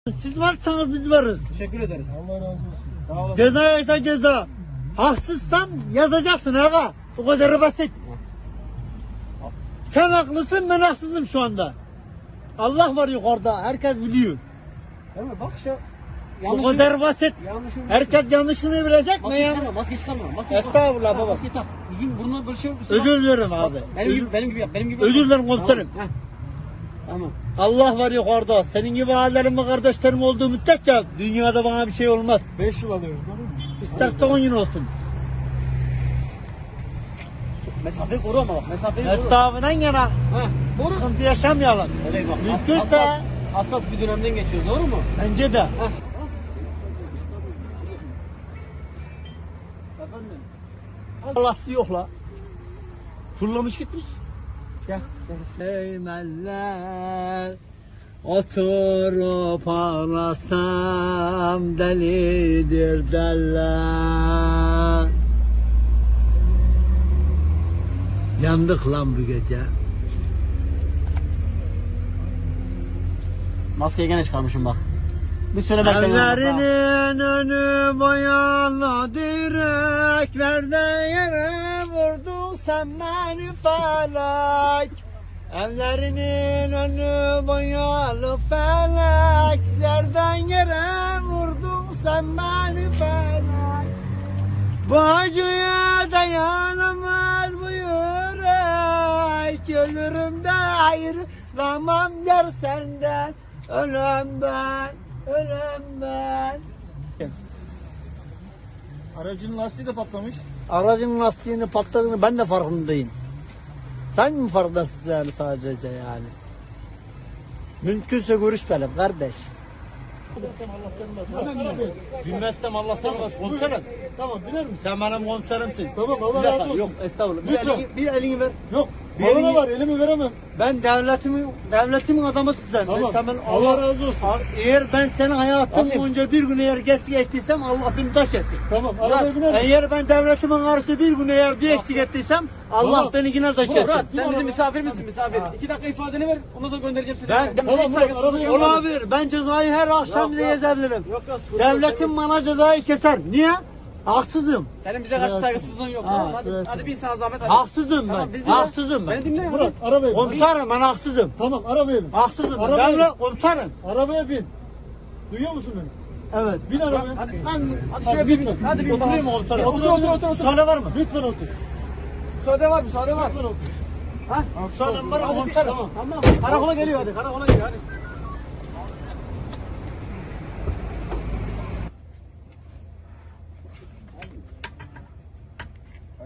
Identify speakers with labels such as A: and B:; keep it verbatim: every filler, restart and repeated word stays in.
A: Siz varsanız biz varız.
B: Teşekkür ederiz.
C: Allah razı olsun.
B: Sağ olun.
A: Ceza yasa ceza. Haksızsan yazacaksın aga. O kadar basit. Sen haklısın, ben haksızım şu anda. Allah var yukarıda, herkes biliyor.
B: Değil mi? Bak işte.
A: O kadar basit.
B: Yanlışım.
A: Herkes yanlışını bilecek mi
B: Maske
A: ya?
B: çıkarma, maske çıkarma. Maske
A: Estağfurullah
B: tak.
A: baba.
B: Maske tak. Yüzün burnuna böyle şey.
A: Özür dilerim abi.
B: Bak, benim gibi, benim gibi yap, benim gibi.
A: Özür
B: yap.
A: dilerim komiserim.
B: Tamam. Heh. Tamam.
A: Allah var yukarıda. Senin gibi abilerim ve kardeşlerim olduğu müddetçe dünyada bana bir şey olmaz.
C: beş yıl alıyoruz değil mi?
A: İsterse on yıl olsun.
B: Mesafeyi koru ama bak, mesafeyi koru.
A: Hesabından yana
B: Heh, koru.
A: sıkıntı yaşamayalım.
B: Evet bak, has-
A: Mümkünse
B: hassas, hassas bir dönemden geçiyoruz, doğru mu?
A: bence de.
B: Heh.
A: Lastiği yok la. Fırlamış gitmiş.
B: Gel.
A: Eymeller oturup ağlasam delidir derler. Yandık lan bu gece.
B: Maskeyi gene çıkarmışım bak. Bir süre bekleyin.
A: Evlerinin önü boyalı direklerde yere vurdun sen beni felek. Evlerinin önü boyalı feleklerden yere vurdun sen beni felek. Bu acıya dayanamaz bu yürek. Ölürüm de ayrılamam der senden. Ölüm ben, ölüm ben.
C: Aracın lastiği de patlamış.
A: Aracın lastiğini patladığını ben de farkındayım. Sen mi farkındasın yani sadece yani? Mümkünse görüşmeyelim kardeş. Bilmezsem Allah'tan bas komiserim.
C: Tamam biner misin?
A: Sen benim komiserimsin.
C: Tamam, Allah
A: Bir dakika,
C: razı olsun.
A: Yok estağfurullah. Bir
C: Lütfen.
A: elini, bir elini ver.
C: Yok.
A: Bir
C: Bana
A: elini-
C: var, elimi veremem.
A: Ben devletimin devletimin adamısın sen.
C: Tamam.
A: Ben, sen ben,
C: Allah razı olsun.
A: Eğer ben senin hayatın
B: Nasip.
A: boyunca bir gün eğer geç geçtiysem Allah beni taş etsin.
C: Tamam, arabaya biner misin?
A: Eğer ben devletimin karşı bir gün eğer bir eksik ettiysem Allah
C: Tamam.
A: beni yine taş
B: Murat,
A: etsin.
B: sen bizim misafirimizsin, misafir. İki dakika ifadeni ver, ondan sonra göndereceğim seni.
A: Ben-
B: Ben
C: Tamam,
B: hiç
C: Murat,
B: saygısızlık
C: arabayı
B: yapmadım.
A: Olabilir. Ben cezayı her akşam
B: Yok,
A: bile
B: yok.
A: yazabilirim.
B: Yok yok, sıkıntı yok.
A: Devletim bana cezayı keser. Niye? Haksızım.
B: Senin bize karşı saygısızlığın yok.
A: Ha,
B: Tamam, hadi,
C: evet.
B: hadi bin sana zahmet hadi.
A: Haksızım
B: Tamam,
A: ben.
B: biz dinle.
A: Haksızım ben.
B: Beni dinle. hadi.
C: Murat, arabaya bin.
A: Komiserim ben haksızım.
C: Tamam, arabaya bin.
A: Haksızım.
C: Arabaya
A: Devlet komiserim.
C: Arabaya bin. Duyuyor musun beni?
A: Evet.
C: Bin arabaya.
B: Hadi.
A: Ben
B: Hadi
C: Hadi
B: şöyle bir
C: lütfen.
B: bin. Hadi bir
A: oturayım mı komiserim?
B: Otur otur otur otur.
A: Müsaade var mı?
C: Lütfen otur.
B: Müsaade var müsaade var.
C: Lütfen otur.
B: Ha?
A: Müsaade var mı
B: Hadi bir-
A: komiserim?
B: Tamam. Tamam. Karakola geliyor hadi. Karakola geliyor hadi.